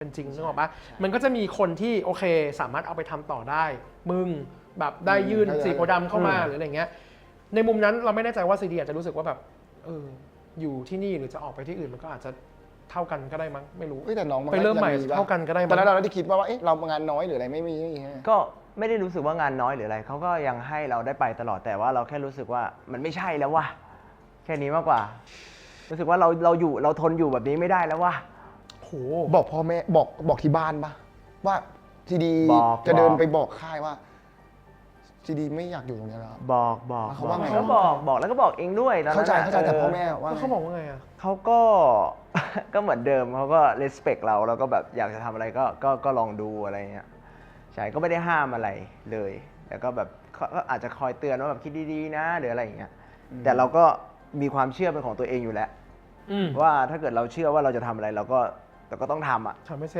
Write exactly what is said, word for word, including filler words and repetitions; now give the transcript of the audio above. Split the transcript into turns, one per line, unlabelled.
จริงนึกออกปะมันก็จะมีคนที่โอเคสามารถเอาไปทำต่อได้มึงแบบได้ยื่นสีโพธิ์ดำเข้ามาหรืออะไรเงี้ยในมุมนั้นเราไม่แน่ใจว่าซีดีอาจจะรู้สึกว่าแบบเอออยู่ที่นี่หรือจะออกไปที่อื่นมันก็อาจจะเท่ากันก็ได้มั้งไม่รู้
แต่น้องมัน
ไปเริ่มใหม่เท่ากันก็ได้มั้ง
ตอนนั้นเราได้คิดว่าว่าเอ๊ะเรางานน้อยหรืออะไรไม่มี
ก็ไม่ได้รู้สึกว่างานน้อยหรืออะไรเขาก็ยังให้เราได้ไปตลอดแต่ว่าเราแค่รู้สึกว่ามันไม่ใช่แล้วว่ะแค่นี้มากกว่ารู้สึกว่าเราเราอยู่เราทนอยู่แบบนี้ไม่ได้แล้วว่ะ
โห
บอกพ่อแม่บอกบอกที่บ้านปะว่าซีดีจะเดินไปบอกค่ายว่าซีดีไม่อยากอยู่ตรงนี้แล้ว
บอกบอก
เขาว่าไง
เขาบอกบอกแล้วก็บอกเองด้วยตอนนั้น
เข้าใจเข้าใจแต่พ่อแม่ว่า
เขาบอกว่าไงอ่ะ
เขาก็ ก็เหมือนเดิมเขาก็ respect เราแล้วก็แบบอยากจะทำอะไรก็ก็ก็ลองดูอะไรเงี้ยใช่ก็ไม่ได้ห้ามอะไรเลยแล้วก็แบบก็อาจจะคอยเตือนว่าแบบคิดดีๆนะหรืออะไรอย่างเงี้ยแต่เราก็มีความเชื่อเป็นของตัวเองอยู่แล้วว่าถ้าเกิดเราเชื่อว่าเราจะทำอะไรเราก็เราก็ต้องทำอ่ะ
ทำให้เสร็จ